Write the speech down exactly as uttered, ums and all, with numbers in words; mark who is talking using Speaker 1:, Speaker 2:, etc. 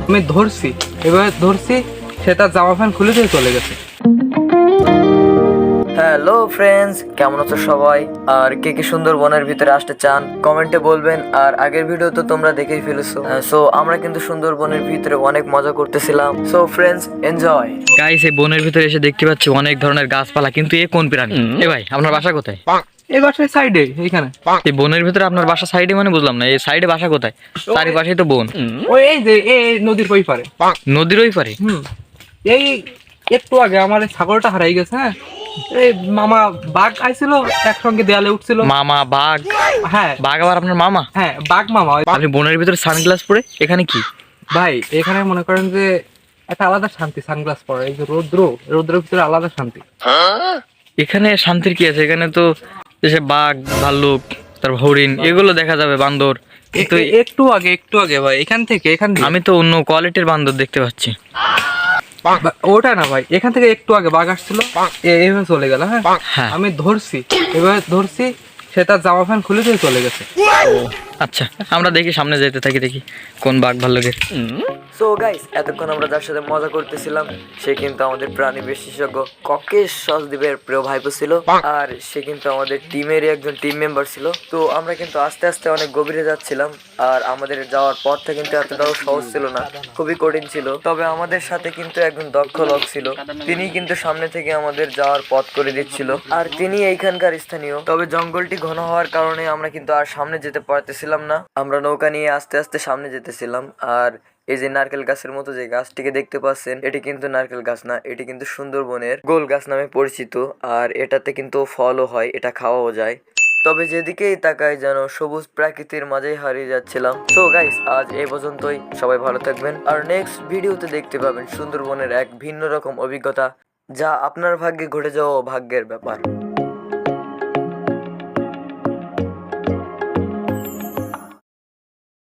Speaker 1: আমি ধরছি, এবার ধরছি, সে তার জামা প্যান্ট খুলে দিয়ে চলে গেছে।
Speaker 2: হ্যালো ফ্রেন্ডস, কেমন আছো সবাই? আর কে কে সুন্দরবনের ভিতরে আসতে চান কমেন্টে বলবেন। আর আগের ভিডিও তো তোমরা দেখেই ফেলেছো। সো আমরা কিন্তু সুন্দরবনের ভিতরে অনেক মজা করতেছিলাম। So friends, enjoy.
Speaker 3: গাইস, এই বনের ভিতরে এসে দেখতে পাচ্ছি অনেক ধরনের গাছপালা, কিন্তু এ কোন প্রাণী? এ ভাই, আপনার বাসা কোথায়?
Speaker 1: এই বাসায় সাইডে এইখানে।
Speaker 3: এই বনের ভিতরে আপনার বাসা সাইডে মানে বুঝলাম না, এই সাইডে বাসা কোথায়? চারিপাশেই তো বন।
Speaker 1: ওই এই যে এই এই নদীর ওই পারে।
Speaker 3: নদীর ওই পারে?
Speaker 1: হুম, এই একটু আগে আমার এই ছাগলটা হারাই গেছে। হ্যাঁ, এই মামা বাঘ আইছিল, একসঙ্গে দেয়ালে উঠছিল।
Speaker 3: মামা বাঘ?
Speaker 1: হ্যাঁ,
Speaker 3: বাঘ আবার আপনার মামা?
Speaker 1: হ্যাঁ বাঘ মামা।
Speaker 3: আপনি বনের ভিতরে সানগ্লাস পরে এখানে কি?
Speaker 1: ভাই এখানে মনে করেন যে একটা আলাদা শান্তি, সানগ্লাস পরে এই যে রৌদ্র, রৌদ্রের ভিতরে আলাদা শান্তি।
Speaker 3: এখানে শান্তির কি আছে? এখানে তো এসে বাঘ, ভাল্লুক, তারপর হরিণ এগুলো দেখা যাবে, বান্দর।
Speaker 1: এ-
Speaker 3: কিন্তু
Speaker 1: এ- একটু আগে একটু আগে ভাই এখান থেকে এখান থেকে
Speaker 3: আমি তো অন্য কোয়ালিটির বান্দর দেখতে পাচ্ছি।
Speaker 1: বা- ওটা না ভাই, এখান থেকে একটু আগে বাঘ আসছিল, এ- এইভাবে চলে গেল। হ্যাঁ,
Speaker 3: হ্যাঁ,
Speaker 1: আমি ধরছি, এবার ধরছি, সে তার জামা প্যান্ট খুলে দিয়ে চলে গেছে।
Speaker 3: আচ্ছা, আমরা দেখি সামনে যেতে থাকি, দেখি কোন বাঘ ভাল্লুকের।
Speaker 2: সো গাইস, এতক্ষণ আমরা যার সাথে মজা করতেছিলাম সে কিন্তু আমাদের প্রাণী বিশেষজ্ঞ ককেশ সহজদ্বীপের প্রিয় ভাইপো ছিল। আর সে কিন্তু আমাদের টিমেরই একজন টিম মেম্বার ছিল। তো আমরা কিন্তু আস্তে আস্তে অনেক গভীরে যাচ্ছিলাম। আর আমাদের যাওয়ার পথটা কিন্তু এতটাও সহজ ছিল না, খুবই কঠিন ছিল। তবে আমাদের সাথে কিন্তু একজন দক্ষ লোক ছিল, তিনি কিন্তু সামনে থেকে আমাদের যাওয়ার পথ করে দিচ্ছিল। আর তিনি এইখানকার স্থানীয়। তবে জঙ্গলটি ঘন হওয়ার কারণে আমরা কিন্তু আর সামনে যেতে পারতেছিলাম না। আমরা নৌকা নিয়ে আস্তে আস্তে সামনে যেতেছিলাম। আর এই যে নারকেল গাছের মতো যে গাছটিকে দেখতে পাচ্ছেন, এটি কিন্তু নারকেল গাছ না, এটি কিন্তু সুন্দরবনের গোল গাছ নামে পরিচিত। আর এটাতে কিন্তু ফলও হয়, এটা খাওয়াও যায়। তবে যেদিকেই তাকাই যেন সবুজ প্রাকৃতির মাঝেই হারিয়ে যাচ্ছিলাম। সো গাইস, আজ এই পর্যন্তই। সবাই ভালো থাকবেন। আর নেক্সট ভিডিওতে দেখতে পাবেন সুন্দরবনের এক ভিন্ন রকম অভিজ্ঞতা, যা আপনার ভাগ্যে ঘটে যাওয়া ভাগ্যের ব্যাপার।